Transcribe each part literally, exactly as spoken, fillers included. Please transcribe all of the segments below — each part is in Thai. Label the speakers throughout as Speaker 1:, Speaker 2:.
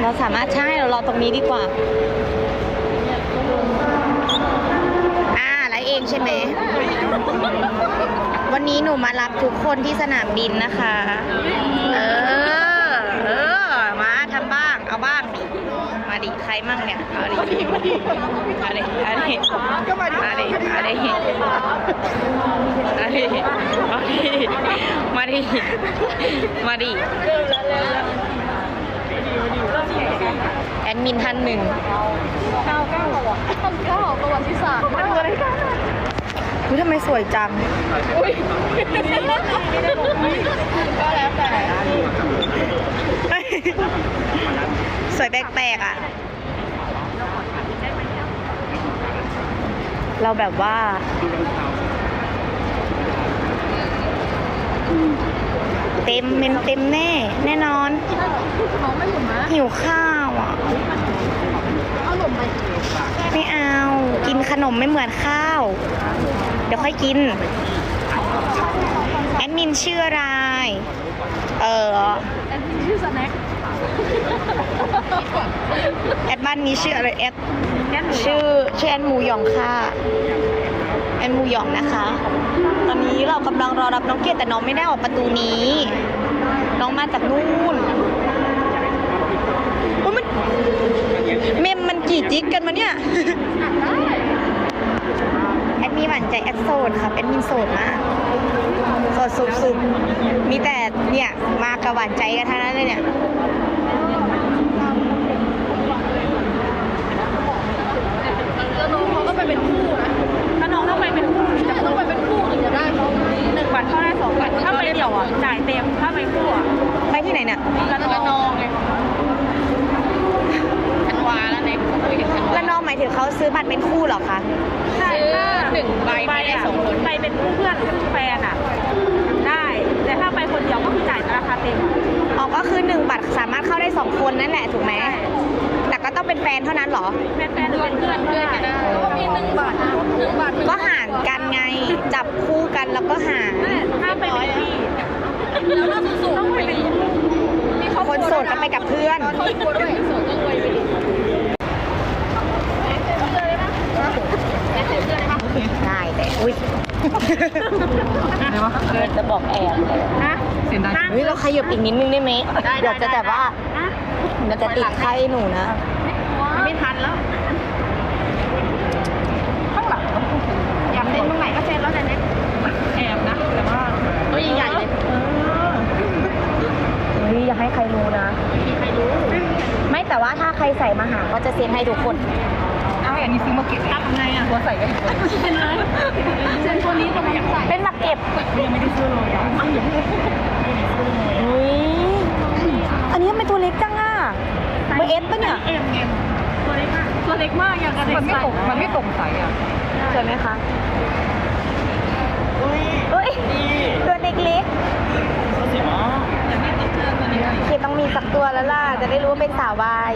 Speaker 1: เราสามารถใช่เรารอตรงนี้ดีกว่าอ่าแล้วเองใช่ไหมวันนี้หนูมารับทุกคนที่สนามบินนะคะเออเออมาทำบ้างเอาบ้างดิมาดิใครมั่งเนี่ยเอาดิมาดิมาดิมาดิมาดิมาดิมาดิมาดิมาดิมาดิมาดิแอดมินท่านหนึ่งเก้าเก้าอ่ะเก้าประวัติศาสตร์มาดูอะไรกันอุ้ยทำไมสวยจังอุ้ยก็แล้วแต่สวยแปลกๆอ่ะเราแบบว่าเต็มเมนเต็มแน่แน่นอนหิวข้าวอ่ะไม่เอากินขนมไม่เหมือนข้าวเดี๋ยวค่อยกินแอดมินชื่ออะไรเออแอดมินชื่อสแน็คแอดบ้านนี้ชื่ออะไรแอดชื่อชื่อแอดหมูหยองค่ะแอดหมูหยองนะคะตอนนี้เรากำลังรอรับน้องเกดแต่น้องไม่ได้ออกประตูนี้น้องมาจากนู่นมันเมมมันกี่จิกกันมาเนี่ยแอดมีหวานใจแอดโสดครับแอดมินโสดมากโสดสุดๆมีแต่เนี่ยมากับหวานใจกันทั้งนั้นเลยเนี่ยแล้วน้องเขาก็ไปเป็นคู่นะถ้าน้องต้องไปเป็นคู่จะต้องไปเป็นคู่ถึงจะได้เขาหนึ่งบัตรเข้าได้สองบัตรถ้าไปเดี่ยวอ่ะจ่ายเต็มถ้าไปคู่อ่ะไปที่ไหนเนี่ยละนองไงธันวาแล้วเนี่ยละนองหมายถึงเขาซื้อบัตรเป็นคู่หรอคะซื้อหนึ่งใบไปได้สองคนไปเป็นคู่เพื่อนแฟนอ่ะได้แต่ถ้าไปคนเดียวก็คือจ่ายราคาเต็มอ๋อก็คือหนึ่งบัตรสามารถเข้าได้สองคนนั่นแหละถูกไหมแต่ก็ต้องเป็นแฟนเท่านั้นหรอเป็นแฟนหรือเป็นเพื่อนเพื่อนก็ได้ก็มีหนึ่งบัตรหนึ่งบัตรก็หารกันไงจับคู่กันแล้วก็หารถ้าไปเป็นพี่แล้วเราสูงต้องไปเป็นคนโสดก็ไปกับเพื่อนโสดก็รวยไปดิได้แต่อุ้ยจะบอกแอบนะเสียงดังเฮ้ยเราขยับอีกนิดนึงได้ไหมเดี๋ยวจะแต่ว่าเดี๋ยวจะติดไข้หนูนะไม่ทันแล้วข้างหลังอยากเซ็นตรงไหนก็เซ็นแล้วแต่เนี้ยแอบนะแต่ว่าตัวใหญ่ๆเลยเฮ้ยอย่าให้ใครรู้นะไม่มีใครรู้ไม่แต่ว่าถ้าใครใส่มาหาก็จะเซ็นให้ทุกคนเอาอย่างนี้ซื้อมาเก็บทำไงอ่ะตัวใส่ก็เซ็นเลยเซ็นตัวนี้ตัวนี้ใส่เป็นมาเก็บยังไม่ได้ซื้อเลยอ่ะอุ้ยอันนี้ทำไมตัวเล็กจังอ่ะเบอร์เอสป่ะเนี่ยเอ็มเอ็มตัวเล็กมากตัวเล็กมากอย่างกระเด็นมันไม่ตกมันไม่ตรงใส่อ่ะสวยไหมคะอุ้ยอุ้ยตัวเด็กเล็กเคต้องมีสักตัวแล้วล่ะจะได้รู้ว่าเป็นสาววาย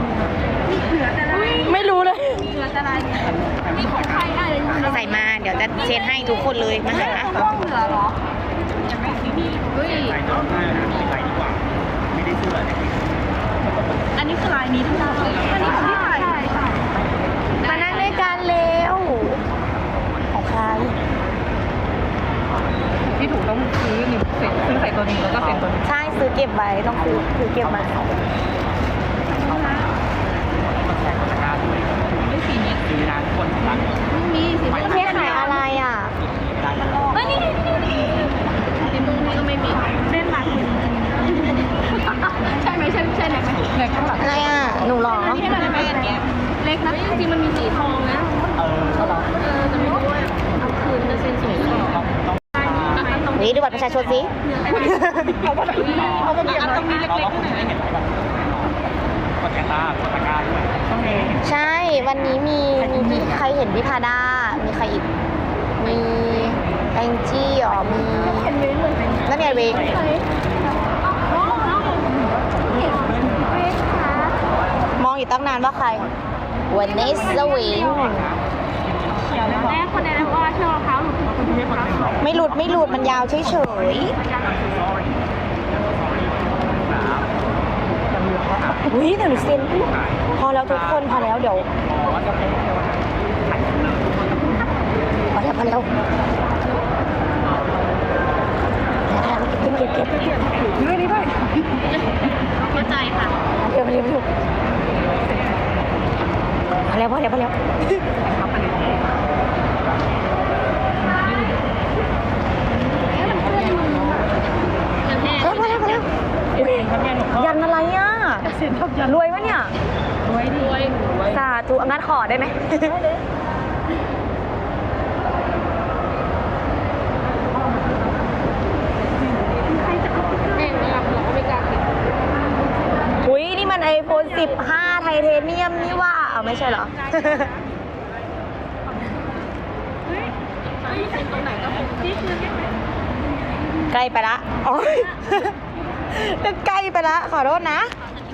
Speaker 1: ไม่รู้เลยมีของใครอะไรใส่มาเดี๋ยวจะเช็ดให้ทุกคนเลยมาหาห้องเหลือหรอยังไม่มีเฮ้ยใส่น้องใส่ใส่ดีกว่าไม่ได้เสื้ออันนี้คือลายนี้ทุกคนอันนี้ของที่ใส่มานั่งด้วยกันเร็วของใครที่ถูกต้องซื้อหนึ่งเซ็ตซื้อใส่ตัวนี้แล้วก็เซ็ตตัวนี้ใช่ซื้อเก็บไว้ต้องซื้อซื้อเก็บมาไม่สีนี้สีน้ำคนรักไม่มีสีนี้เทขายอะไรอ่ะไม่นี่นี่นี่สีมุ้งนี่ก็ไม่มีเส้นหลักใช่ไหมใช่ใช่เล็กไหมเล็กข้างหลังอะไรอ่ะหนูหรอที่มันเป็นอย่างเงี้ยเล็กนะจริงๆมันมีสีทองนะเออเหรอเออจะไม่รู้ว่าเอาคืนจะเส้นสวยนี่ดูบัตรประชาชนสิเขาบอกเขาบอกอย่างตรงนี้เล็กๆหน่อยกดแกตากดตะการด้วยใช่วันนี้มีมีพี่ใครเห็นพี่พาด้ามีใครอีกมีแองจี้อ๋อมีแล้วมีไอเวงมองอยู่ตั้งนานว่าใครวันนี้สวิงแม่คนนั้นว่าเชือกรองเท้าหลุดไม่หลุดไม่หลุดมันยาวเฉยเฉยอุ้ยเดี๋ยวหนูเซ็นพอแล้วทุกคนพอแล้วเดี๋ยวพอแล้วพอแล้วเก็บเก็บเก็บเก็บนี่นี่ด้วยเข้าใจค่ะเดี๋ยวเดี๋ยวเดี๋ยวพอแล้วพอแล้วพอแล้วพอแล้วพอแล้วยันอะไรอ่ะรวยปะเนี่ยรวยรวยสาธุงั้นขอได้ไหมอุ้ยนี่มันไอโฟนสิบห้าไทเทเนียมนี่ว่าเอาไม่ใช่เหรอใกล้ไปละอ๋อใกล้ไปละขอโทษนะ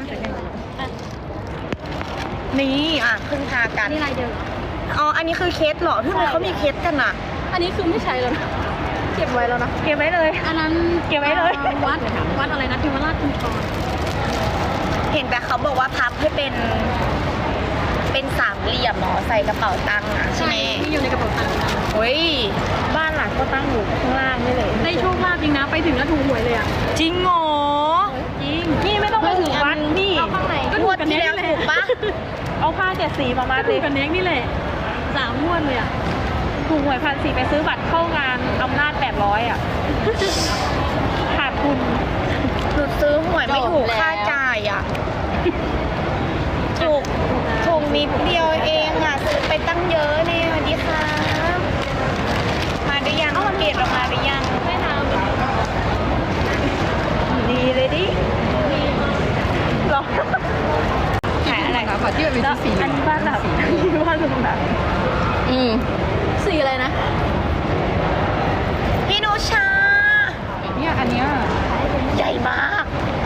Speaker 1: นี่อ่ะพึ่งพากันนี่อะไรเดิมอ๋ออันนี้คือเคสเหรอที่มันเขามีเคสกันอ่ะ
Speaker 2: อันนี้คือไม่ใช้แล้วนะเก็บไว้แล้วนะ
Speaker 1: เก็บไว้เลย
Speaker 2: อันนั้น
Speaker 1: เก็บไว้เลย
Speaker 2: วัดวัดอะไรนะเทวราชกุญชร
Speaker 1: เห็นแต่เขาบอกว่าพับให้เป็นเป็นสามเหลี่ยมหมอใส่กระเป๋าตังค์อ่ะใช่ไหม
Speaker 2: ที่อยู่ในกระเป๋าตังค์
Speaker 1: เฮ้ยบ้านหลังก็ตั้งอยู่ข้างล่างนี่เลย
Speaker 2: ได้โชคลาภจริงนะไปถึงแล้วถูกหวยเลยอ่ะ
Speaker 1: จริงเหรอ
Speaker 2: จริง
Speaker 1: นี่ไม่ต้องไปถึงวัดนี่
Speaker 2: ก็ถูกกัน
Speaker 1: ที่แล้วถูกปะเอาผ้าเจ็ดสีประมาณ
Speaker 2: ถูกกันเน็กนี่แหละสามงวดเลยอ่ะ
Speaker 1: ถูกหวยพันสี่ไปซื้อบัตรเข้างานอำนาจแปดร้อยอ่ะขาดทุนหนูซื้อหวยไม่ถูกค่าจ่ายอ่ะถูกถูกนิดเดียวเองอ่ะซื้อไปตั้งเยอะเนี่ยสวัสดีค่ะมาได้ยังเกตออกมาได้ยังไม่ทำดีเลยดิรอขายอะไรคะขอที่เป็นสีอันนี้บ้านหลักอันนี้บ้านหลัก
Speaker 2: อืมสีอะไรนะ
Speaker 1: พี่นุชา
Speaker 2: เนี่ยอันเนี้ย
Speaker 1: ใหญ่มาก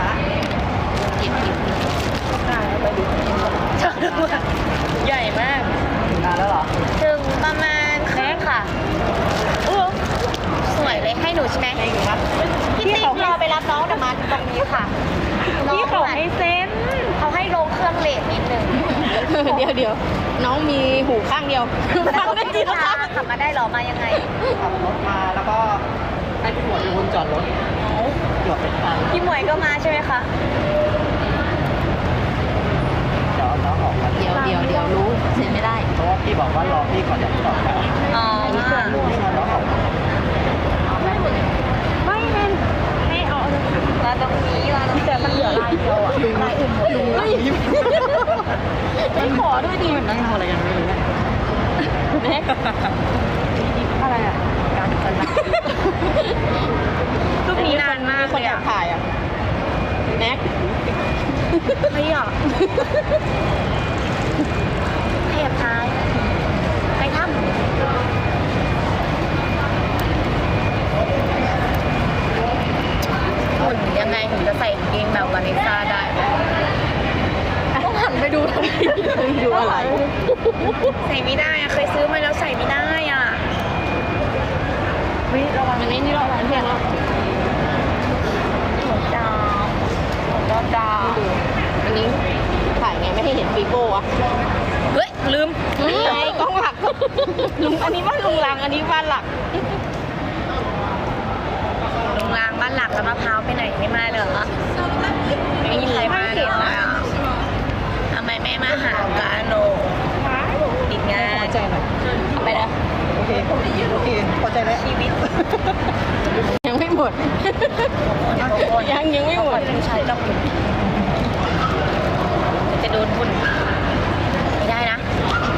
Speaker 1: ใหญ่มากนานแล้วเหรอถึงประมาณครึ่งค่ะอู้สวยเลยให้หนูใช่ไหมพี่ติ๊กรอไปรับน้องเดี๋ยวมาตรงนี้ค่ะพี่เขาให้เซ็นเขาให้ลงเครื่องเลทนิดนึง
Speaker 2: เดี๋ยวเดี๋ยวน้องมีหูข้างเดียว
Speaker 1: ฟังได้จริงค่ะขับมาได้หรอมายังไง
Speaker 3: ขับรถมาแล้วก็ให้พี่หมวยเป็นคนจอดรถจอดเป็นทาง
Speaker 1: พี่หมวยก็มาใช่ไหมคะ
Speaker 3: เดี๋ยวน้องออกมา
Speaker 2: เดี๋ยวเดี๋ยวเดี๋ยวรู้เซ็นไม่ได้
Speaker 3: เพราะว่าพี่บอกว่ารอพี่ก่อนจะจอดครับ
Speaker 1: อ๋อ
Speaker 3: นี่คือนี่น้องออก
Speaker 1: ไม่เล่นให้เอามาตรงนี้มาตรงแต่มันเหลือลายเดียวอ่ะลายอื่นหมดเลยไม่ขอด้วยดิ
Speaker 3: นั่งทำอะไรกันไม่รู้
Speaker 1: แม็กอะไรอ่ะการกันรูปนี้นานมาก
Speaker 2: คนอยากถ่ายอ่ะแม็ก
Speaker 1: ไม่หรอขยับท้ายไปทำหุ่นยังไงถึงจะใส่กางเกงแบบวานิซ่าได้
Speaker 2: ต้องหันไปดูทำไมดูอะไร
Speaker 1: ใส่ไม่ได้อะเคยซื้อมาแล้วใส่ไม่ได้อ่ะ
Speaker 2: วิระวังอันนี้นี่ระวังเพียงแล้ว
Speaker 1: หัวดาวหัวดาว
Speaker 2: อันนี้ถ่ายไงไม่ให้เห็นปีโป้อะ
Speaker 1: เฮ้ยลืม
Speaker 2: ไงกล้องหลัก
Speaker 1: ลุงอันนี้บ้านลุงลังอันนี้บ้านหลักลุงลังบ้านหลักแล้วมะพร้าวไปไหนไม่มาเหรอไม่มีใครมาเลยอ่ะทำไมไม่มาหากาโนติดงาน
Speaker 3: พอใจหน่อย
Speaker 1: ไปแล้ว
Speaker 3: โอเคโอเคพอใจแล้ว
Speaker 1: ชีวิต
Speaker 2: ยังไม่หมดยังยังไม่หมด
Speaker 1: ผู้ชายต้องจะโดนฝุ่นไม่ได้นะ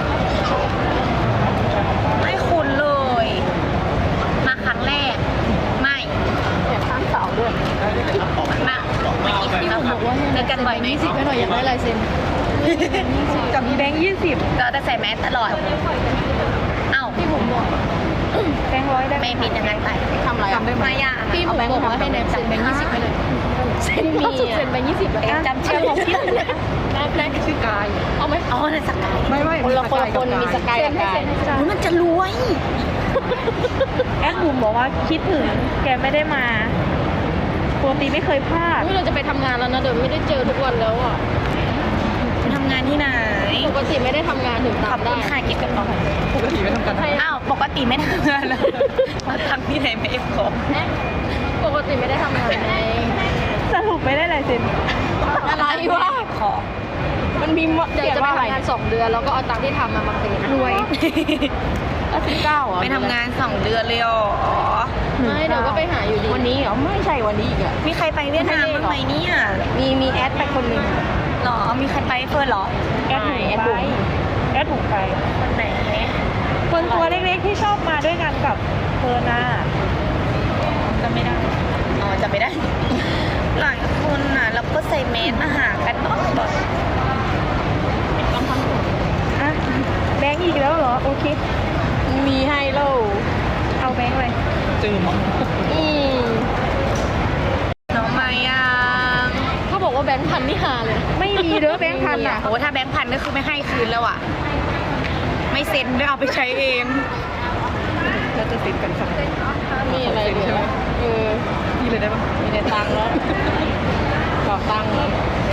Speaker 1: ไม่คุ้นเลยมาครั้งแรกไม่
Speaker 2: อยากข้ามเสาด้วย
Speaker 1: มาไม่กี่ครั้งแล้วค่ะเจอกันบ่อยไหม
Speaker 2: สิบไม่หน่อยอยากได้ลายเซ็น
Speaker 1: กับแบงค์ยี่สิบเราจะใส่แมสตลอดเอ้า
Speaker 2: พี่ผมบอก
Speaker 1: แบงค์ร้อยได้ไม่ผิดยังไงไป
Speaker 2: ทำอะไร
Speaker 1: ทำได้ไหมอ่ะ
Speaker 2: พี่ผมบอกว่าให้เนมเซ็นแบงค์ยี่สิบให้เลยเซ็นมีเซ็นแบงค์ยี่สิบ
Speaker 1: แล้วจำชื่อของพี่
Speaker 2: แรกชื่อกายเอาไหม
Speaker 1: อ๋อนั่นสกาย
Speaker 3: ไม่ไม่
Speaker 2: คนละคนคนมีสกายกับกาย
Speaker 1: มันจะรวยแอดบุ๋มบอกว่าคิดถึงแกไม่ได้มาปกติไม่เคยพลาด
Speaker 2: เราจะไปทำงานแล้วนะเดี๋ยวไม่ได้เจอทุกวันแล้วอ่ะ
Speaker 1: ำงานที่ไหน
Speaker 2: ปกติไม่ได้ทำงานถึง
Speaker 1: ขอบ
Speaker 2: ตาม
Speaker 1: คุ
Speaker 2: ได้
Speaker 1: ณค่ะเก็บกระเป๋า
Speaker 3: ปกติไม่ทำกัน
Speaker 1: อ้าวปกติไม่ทำงานเลยมาทำที่ไหนไม่เอฟของ
Speaker 2: ปกติไม่ได้ทำงานไง
Speaker 1: สรุปไม่ได้เลยสิน
Speaker 2: อะไรวะ
Speaker 1: ขอ
Speaker 2: มันมีเดี๋ยวจะไปทำงานสองเดือนแล้วก็เอาตังค์ที่ทำมามาเปย์รวยแล้วสิบเก้าเหรอ
Speaker 1: ไปทำงานสองเดือนเลยอ๋อ
Speaker 2: ไม่เดี๋ยวก็ไปหาอยู่ดี
Speaker 1: วันนี้เหรอไม่ใช่วันนี้อีกอะมีใครไปเวียดนามบ้างไหมเนี่ย
Speaker 2: มีมีแอดไปคนหนึ่ง
Speaker 1: หรอมีใครไปเฟิร์นหรอ
Speaker 2: แอดหนึ่งแอดบุ๋ม
Speaker 1: แอดถูกไปคนไหน
Speaker 4: คนตัวเล็กๆที่ชอบมาด้วยกันกับเฟิร์นน่ะ
Speaker 1: จำไม่ได้อ๋อจำไม่ได้ หลายคนน่ะแล้วก็ใส่เมสมาหากันบ่อย
Speaker 4: อ่ะแบงค์อีกแล้วเหรอ โอเค
Speaker 2: มีให้เล่า
Speaker 4: เอาแบงค์เลย
Speaker 3: จืม
Speaker 2: อืม
Speaker 1: ๆน้องมายัง
Speaker 2: เขาบอกว่าแบงค์พันนี่หาเลย
Speaker 4: ไม่มีเด้อแบงค์พันอ่ะ
Speaker 1: โอ้ถ้าแบงค์พันก็คือไม่ให้คืนแล้วอ่ะ ไม่เซ็นด้วยเอาไปใช้เอง
Speaker 3: เราจะติดกันสัก
Speaker 2: มีอะไรเหลือเออ
Speaker 3: นี่เลยได้ปะ
Speaker 2: มีแต่ตังค์แล้วกรอกตังค์แล้ว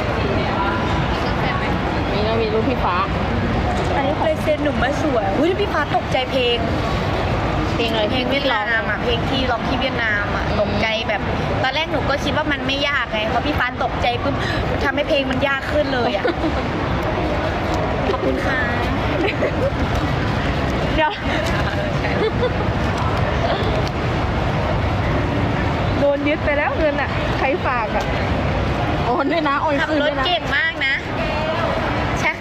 Speaker 2: มีแล้วมีรูปพี่ฟ้า
Speaker 1: อันนี้เลยเซ็นหนุ่มมาสวยอุ้ยพี่ฟ้าตกใจเพลง
Speaker 2: เพลงอะไร
Speaker 1: เพลงเวียดนามอ่ะเพลงที่ร้องที่เวียดนามอ่ะตกใจแบบ ตอนแรกหนูก็คิดว่ามันไม่ยากไงพอพี่ฟ้าตกใจปุ๊บทำให้เพลงมันยากขึ้นเลยอ่ะ ขอบคุณค่ะ
Speaker 4: เดี๋ยวโดนยึดไปแล้วเงินอ่ะ ใครฝากอ่ะ
Speaker 2: โอนด้วยนะโอน
Speaker 1: ขับ
Speaker 2: คืน
Speaker 1: ร
Speaker 2: ด้
Speaker 1: ถ
Speaker 2: วยนะ
Speaker 1: เก่งมากนะ ใช่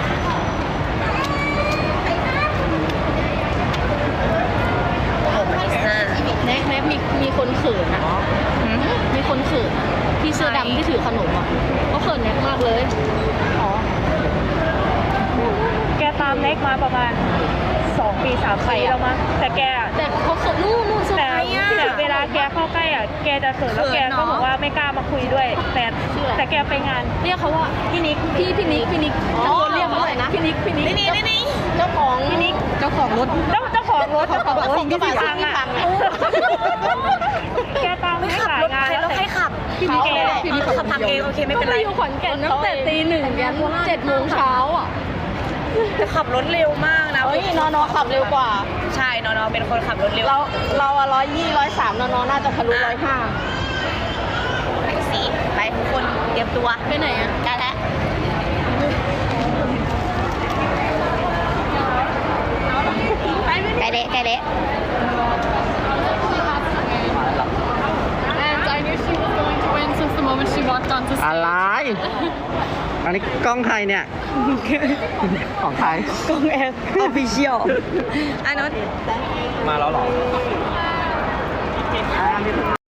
Speaker 1: โอ้ไม่น่า
Speaker 2: แน็กแน็กมีมีคนเขินอ่ะ มีคนเขินอะที่เสื้อดำที่ถือขนมอ่ะเขาเขินแน็กมากเลย
Speaker 4: อ๋อ แกตามเน็กมาประมาณสองปีสามปีแล้วมั้งแต่แกอะ
Speaker 2: แต่เขาเขินนู่นนู่นเซอร์
Speaker 4: แต่
Speaker 2: ไพรส์อ่ะ
Speaker 4: แต่เวลาแกเข้าใกล้อ่ะ แกจะเขินแล้วแกก็บอกว่าไม่กล้ามาคุยด้วย แต่แต่แกไปงาน
Speaker 2: เรียกเขาว่าพี่นิกพี่พี่นิกพี่นิกตะโกนเรียกเขาเลยนะพี่นิกพี่นิก
Speaker 1: นี่นี่นี่
Speaker 2: เจ้าของ
Speaker 4: พี่นิก
Speaker 3: เจ้าของรถ
Speaker 4: เจ้าเจ้าของรถเจ้าของรถ
Speaker 2: ส่งกระบะ
Speaker 4: ที่พัง
Speaker 2: ที่พั
Speaker 4: อ่ะ
Speaker 2: งอะ
Speaker 4: แกตาม
Speaker 1: ไม่
Speaker 4: ให้
Speaker 1: ขับ
Speaker 4: หลาย
Speaker 1: รถ
Speaker 4: งาน
Speaker 1: ใคร
Speaker 4: แล้ว
Speaker 1: แล้วใครขับ
Speaker 4: พี่นิกแก
Speaker 1: พี่นิกขับทางเองโอเคไม่เป็นไร
Speaker 2: ก็ไปอยู่ขอนแก่นตั้งแต่ตีหนึ่งยันเจ็ดโมงเช้าอ่ะ
Speaker 1: แต่ขับรถเร็วมากนะ
Speaker 2: เฮ้ยนอนอขับเร็วกว่า
Speaker 1: ใช่นอนๆเป็นคนขับรถเร็ว
Speaker 2: เราเราอะร้อยยี่ร้อยสามนอนอน่าจะทะลุร้อยห้า
Speaker 1: ไปสิไปทุกคนเตรียมตัว
Speaker 2: ไปไหนอ่ะ
Speaker 1: ได้แล้วไกลเละไกลเละ
Speaker 2: And I knew she was going to win since the moment she walked onto
Speaker 3: อะไร อันนี้กล้องใครเนี่ย ของใคร
Speaker 1: กองแอร์ออฟฟิเชียลอันนั้น
Speaker 3: มาแล้วเหรอ